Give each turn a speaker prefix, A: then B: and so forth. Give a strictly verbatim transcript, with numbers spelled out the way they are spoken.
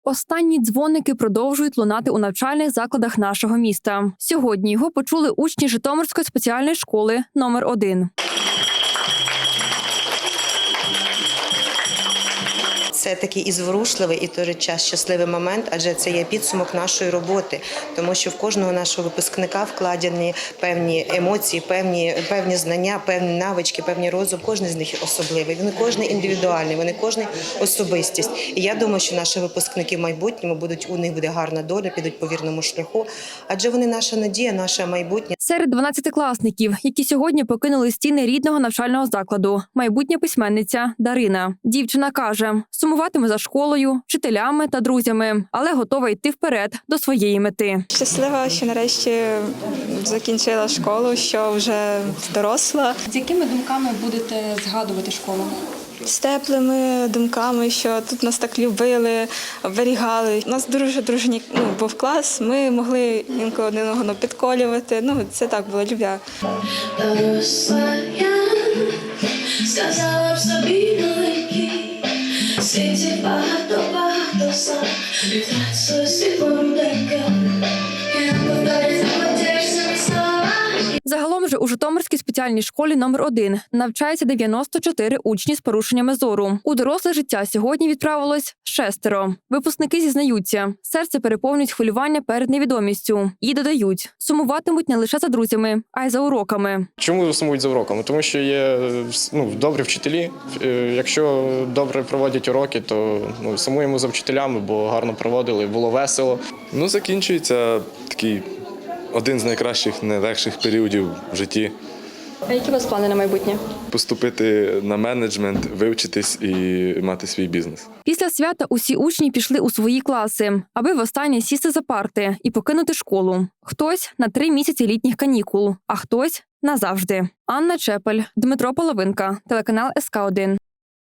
A: Останні дзвоники продовжують лунати у навчальних закладах нашого міста. Сьогодні його почули учні Житомирської спеціальної школи номер один.
B: Це такий і зворушливий, і в той же час щасливий момент, адже це є підсумок нашої роботи, тому що в кожного нашого випускника вкладені певні емоції, певні, певні знання, певні навички, певні розум. Кожен з них особливий, вони кожен індивідуальний, вони кожен особистість. І я думаю, що наші випускники в майбутньому будуть, у них буде гарна доля, підуть по вірному шляху, адже вони наша надія, наше майбутнє.
A: Серед дванадцятикласників, які сьогодні покинули стіни рідного навчального закладу, майбутня письменниця Дарина. Дівчина каже, сумуватиме за школою, вчителями та друзями, але готова йти вперед до своєї мети.
C: Щаслива, що нарешті закінчила школу, що вже доросла.
D: З якими думками будете згадувати школу?
C: З теплими думками, що тут нас так любили, оберігали. У нас дуже дружній ну, був клас, ми могли інколи один одного підколювати. Ну, це так було любя.
E: Доросла я, сказала б собі великий, світі багато-багато сам, віддать своє світло руденьке, я повторю заплатишся слова.
A: Загалом же у Житомирській спеціальній школі номер один навчається дев'яносто чотири учні з порушеннями зору. У доросле життя сьогодні відправилось шестеро. Випускники зізнаються, серце переповнюють хвилювання перед невідомістю. І додають, сумуватимуть не лише за друзями, а й за уроками.
F: Чому сумують за уроками? Тому що є ну, добрі вчителі. Якщо добре проводять уроки, то ну, сумуємо за вчителями, бо гарно проводили, було весело.
G: Ну, закінчується такий один з найкращих, найлегших періодів в житті.
A: А які у вас плани на майбутнє?
G: Поступити на менеджмент, вивчитись і мати свій бізнес.
A: Після свята усі учні пішли у свої класи, аби востаннє сісти за парти і покинути школу. Хтось на три місяці літніх канікул, а хтось назавжди. Анна Чепель, Дмитро Половинка, телеканал ес ка один.